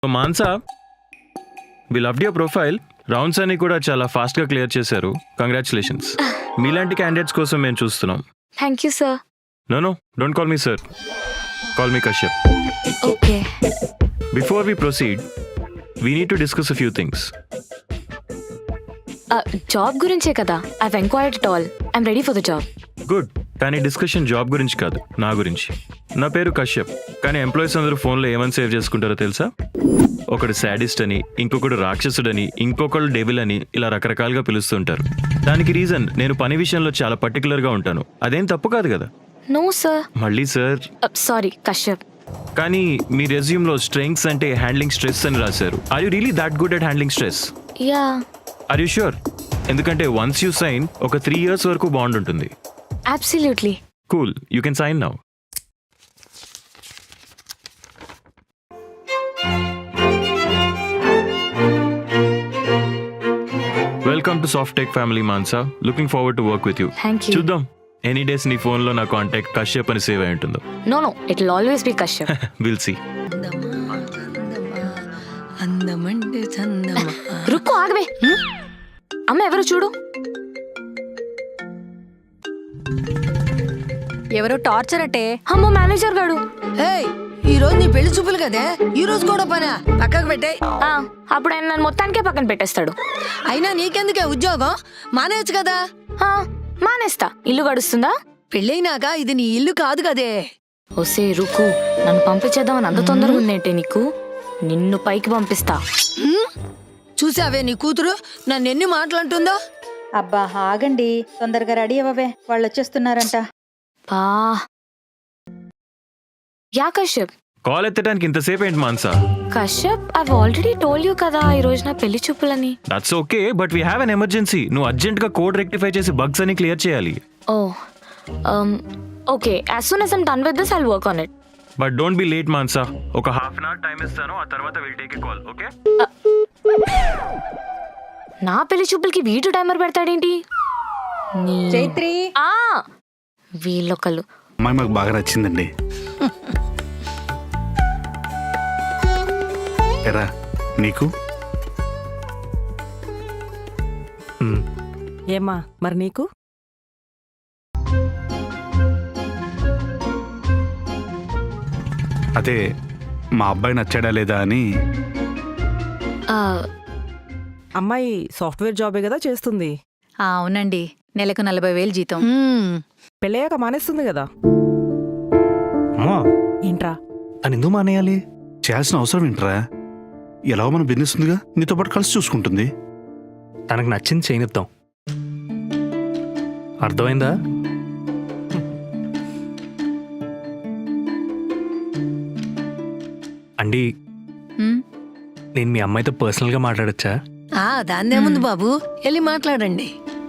Mansa, we loved your profile. Rounds అన్ని కూడా చాలా ఫాస్ట్గా క్లియర్ చేశారు. కంగ్రాచులేషన్స్. మీలాంటి క్యాండిడేట్స్ కోసం మేము చూస్తున్నాం. Thank you sir. No don't call me sir, call me Kashyap. Okay. Before we proceed, we need to discuss a few things. Job గురించే కదా. I've enquired it all. I'm ready for the job. Good. కానీ discussion job గురించి కాదు, నా గురించి. నా పేరు కశ్యప్, కానీ ఎంప్లాయీస్ అందరూ ఫోన్లో ఏమని సేవ్ చేసుకుంటారో తెలుసా? ఒకడు శాడిస్ట్ అని, ఇంకొకడు రాక్షసుడని, ఇంకొకడు డెవిల్ అని, ఇలా రకరకాలుగా పిలుస్తుంటారు. దానికి రీజన్ నేను పని విషయంలో చాలా పర్టికులర్గా ఉంటాను. అదేం తప్పు కాదు కదా. No sir. మళ్ళీ సార్? సారీ కశ్యప్. కానీ మీ రెజ్యూమ్లో స్ట్రెంగ్స్ అంటే హ్యాండ్లింగ్ స్ట్రెస్ అని రాశారు. Are you really that good at handling stress? Yeah. Are you sure? ఎందుకంటే వన్స్ యూ సైన్ ఒక 3 years వరకు బాండ్ ఉంటుంది. Absolutely. Cool, you can sign now. Welcome to soft tech family Mansa. Looking forward to work with you. Thank you. చూద్దాం any days నీ ఫోన్లో నా contact Kashyap అని save అయి ఉంటుందో. No it will always be Kashyap. Will see. Rukku ఆగవే. అమ్మ ఎవరు చూడు. ఎవరో టార్చర్ అట్టే. అమ్మో మేనేజర్ గాడు. ఏయ్, ఈ రోజు నీ పెళ్లి చూపులు కదే, ఈ రోజు కూడా పనా? పక్కకు పెట్టాయి. అప్పుడు ఆయన నన్ను మొత్తానికే పక్కన పెట్టేస్తాడు. అయినా నీకెందుకే ఉద్యోగం? మానేయచ్చు కదా. మానేస్తా. ఇల్లు గడుస్తుందా? పెళ్ళైనాక ఇది నీ ఇల్లు కాదు కదే. ఒసే రుకు, నన్ను పంపించేద్దామని అంత తొందరగా ఉందేంటే నీకు? నిన్ను పైకి పంపిస్తా. చూసావే నీ కూతురు నన్ను ఎన్ని మాటలంటుందో. అబ్బా ఆగండి, తొందరగా రెడీ అవ్వవే, వాళ్ళు వచ్చేస్తున్నారంట. పా యా కశ్యప్. కాల్ ఎత్తడానికి ఇంతసేపు ఏంటి Mansa? Kashyap, I already told you కదా ఈ రోజు నా పెళ్లి చూపులని. That's okay, but we have an emergency. నువ్వు అర్జెంట్ గా కోడ్ రెక్టిఫై చేసి బగ్స్ అని క్లియర్ చేయాలి. Oh okay, as soon as I'm done with this I will work on it. But don't be late Mansa. ఒక ½ hour టైం ఇస్తాను, ఆ తర్వాత will take a call. Okay? నా పెళ్లి చూపులకి వీటు టైమర్ పెడతాడేంటి? చైత్రి, వీళ్ళొకళ్ళు. అమ్మాయి మాకు బాగా నచ్చిందండి. ఎరా నీకు? ఏమ్మా మరి నీకు? అదే మా అబ్బాయి నచ్చాడా లేదా అని. అమ్మాయి సాఫ్ట్వేర్ జాబే కదా చేస్తుంది. అవునండి, నెలకు 40,000 జీతం. పెళ్ళయ్యాక మానేస్తుంది కదా. అమ్మా, ఏంట్రా? అని ఎందుకు మానేయాలి? చేయాల్సిన అవసరం ఏంట్రా? ఎలాగో మన బిజినెస్ ఉందిగా, నీతో పాటు కలిసి చూసుకుంటుంది. తనకు నచ్చింది చేయనిద్దాం. అర్థమైందా? అండి, నేను మీ అమ్మాయితో పర్సనల్గా మాట్లాడచ్చా? దాన్నేముంది బాబు, వెళ్ళి మాట్లాడండి.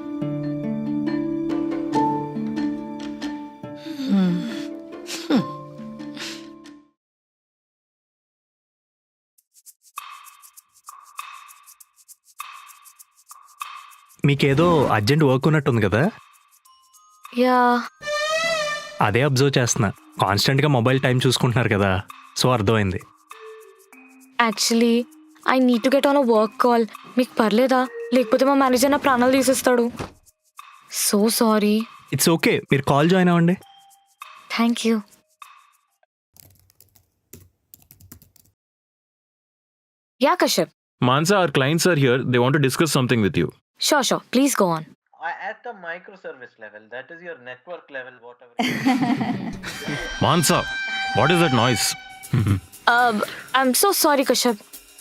మీకేదో అర్జెంట్ వర్క్ ఉన్నట్టుంది కదా? యా. అదే అబ్జర్వ్ చేస్తున్నా. కాన్స్టెంట్గా మొబైల్ టైం చూసుకుంటున్నారు కదా, సో అర్థమైంది. Actually I need to get on a work call. మీకు పర్లేదా? లేకపోతే మా మేనేజర్ నా ప్రాణాలు తీసేస్తాడు. So sorry. ఇట్స్ ఓకే, మీరు కాల్ జాయిన్ అవ్వండి. Thank you. Yeah Kashyap. Mansa, our clients are here. They want to discuss something with you. Sure. Please go on. At the microservice level, that is your network level, whatever. Mansa, what is that noise? I'm so sorry, Kashyap.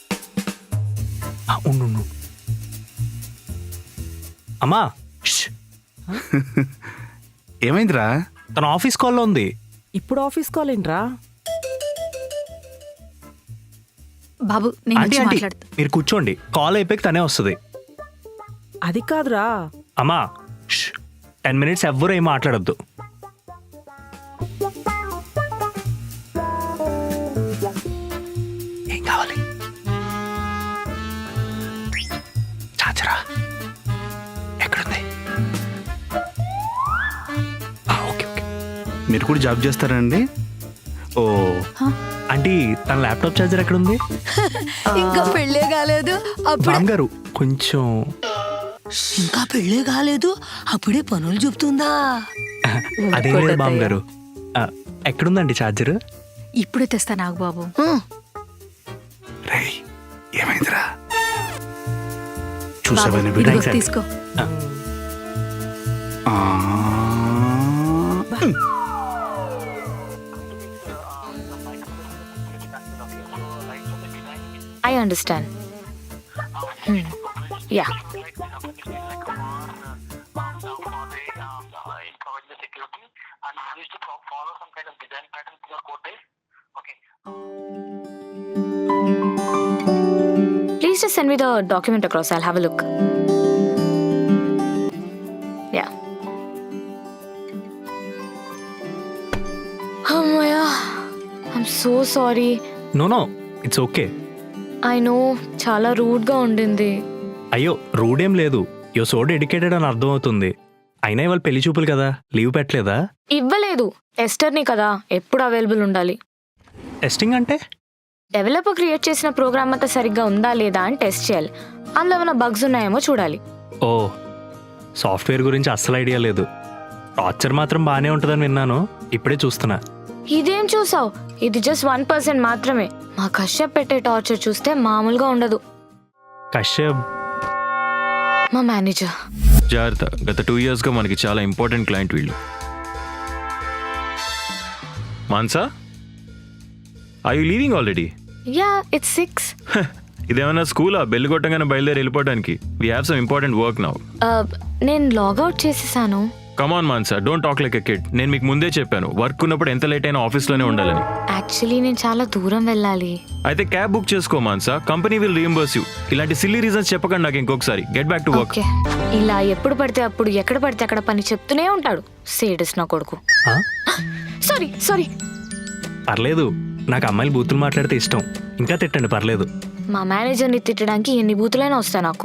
ఉండు. అమ్మా, ఏమైందిరా? తన office కాల్లో ఉంది. ఇప్పుడు office call ఏంట్రా? బాబు, నేను aunty, వచ్చి ఆంటీ, మాట్లాడుతా. మీరు కూర్చోండి, కాల్ అయిపోయి తనే వస్తుంది. అది కాదురా. అమ్మా 10 minutes ఎవ్వరూ ఏం మాట్లాడొద్దు. ఏం కావాలి? చాచరా ఎక్కడుంది? ఓకే. మీరు కూడా జాబ్ చేస్తారండి? ఓ, ఆంటీ తన ల్యాప్టాప్ ఛార్జర్ ఎక్కడ ఉంది? ఇంకా పెళ్ళే కాలేదు అప్పుడే బామ్గారు కొంచెం ఇంకా పెళ్ళే కాలేదు అప్పుడే పనులు చెప్తుందా? అదేం లేదు బామ్గారు. ఎక్కడుందండి ఛార్జర్? ఇప్పుడే తెస్తా నాకు బాబు. రేయ్ ఏమైందిరా? చూసావా నీ బాబు, బిడ్డ? ఇదిగో Thanks, తీసుకో. ఆ. I understand. Yeah, please just send me the document across. I'll have a look. Yeah. Ammaya, I'm so sorry. No it's okay. I know చాలా రూడ్ గా ఉండింది. అయ్యో రూడ్ ఏం లేదు. యో సో డెడికేటెడ్ అని అర్థం అవుతుంది. అయినా ఇవాళ పెళ్లి చూపులు కదా, లీవ్ పెట్టలేదా? ఇవ్వలేదు. టెస్టర్ని కదా, ఎప్పుడు అవైలబుల్ ఉండాలి. టెస్టింగ్ అంటే? డెవలపర్ క్రియేట్ చేసిన ప్రోగ్రామ్ అంతా సరిగ్గా ఉందా లేదా అని టెస్ట్ చేయాలి. అందులో ఏమైనా బగ్స్ ఉన్నాయేమో చూడాలి. ఓ, సాఫ్ట్వేర్ గురించి అస్సలు ఐడియా లేదు. టార్చర్ మాత్రం బాగానే ఉంటుందని విన్నాను, ఇప్పుడే చూస్తున్నా. ఇదేం చూసావు? ఇది జస్ట్ 1% మాత్రమే. మా కశ్యప్ పెట్టే టార్చర్ చూస్తే మామూలుగా ఉండదు. కశ్యప్ మా మేనేజర్. జాగ్రత్త, గత 2 yearsగా మనకి చాలా ఇంపార్టెంట్ క్లయింట్ వీళ్ళు. Mansa, I you leaving already? Yeah, it's 6. ఇదేమన్నా స్కూలా బెల్ కొట్టగానే బయలుదేరి వెళ్ళిపోవడానికి? We have some important work now. నేను లాగౌట్ చేసేసాను. Come on Mansa, don't talk like a kid. నేను మీకు ముందే చెప్పాను, వర్క్ ఉన్నప్పుడు ఎంత లేట్ అయినా ఆఫీస్లోనే ఉండాలని. యాక్చువల్లీ నేను చాలా దూరం వెళ్ళాలి. అయితే క్యాబ్ బుక్ చేసుకో Mansa, company will reimburse you. ఇలాంటి సిల్లీ రీజన్స్ చెప్పకండి నాకు ఇంకొకసారి. Get back to work. Okay, ఇలా ఎప్పుడు పడితే అప్పుడు ఎక్కడ పడితే అక్కడ పని చెప్తూనే ఉంటాడు. సేడస్ నా కొడుకు. ఆ? సారీ. పర్లేదు, నాకు అమ్మాయిలు బూతులు మాట్లాడితే ఇష్టం. ఇంకా తిట్టండి, పర్లేదు. మా మేనేజర్ని తిట్టడానికి ఎన్ని బూతులైనా వస్తాయి నాకు.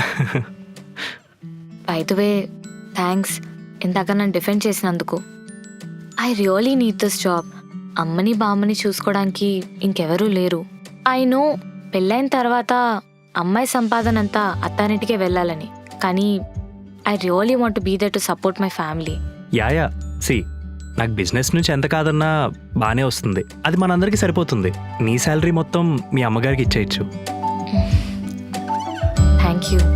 బై ద వే, థ్యాంక్స్ ఇందాక నన్ను డిఫెండ్ చేసినందుకు. I really need this job. అమ్మని బామ్మని చూసుకోవడానికి ఇంకెవరూ లేరు. ఐ నో పెళ్ళైన తర్వాత అమ్మాయి సంపాదన అంతా అత్తారింటికే వెళ్ళాలని, కానీ I really want be there to support my family. Yeah see, నాకు బిజినెస్ నుంచి ఎంత కాదన్నా బాగానే వస్తుంది. అది మనందరికీ సరిపోతుంది. నీ శాలరీ మొత్తం మీ అమ్మగారికి ఇచ్చేయచ్చు. Thank you.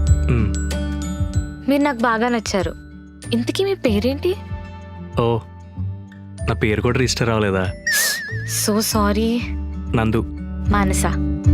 మీరు నాకు బాగా నచ్చారు. ఇంతకీ మీ పేరేంటి? ఓ, నా పేరు కూడా రిజిస్టర్ అవ్వలేదా? So sorry. నందు. మానస.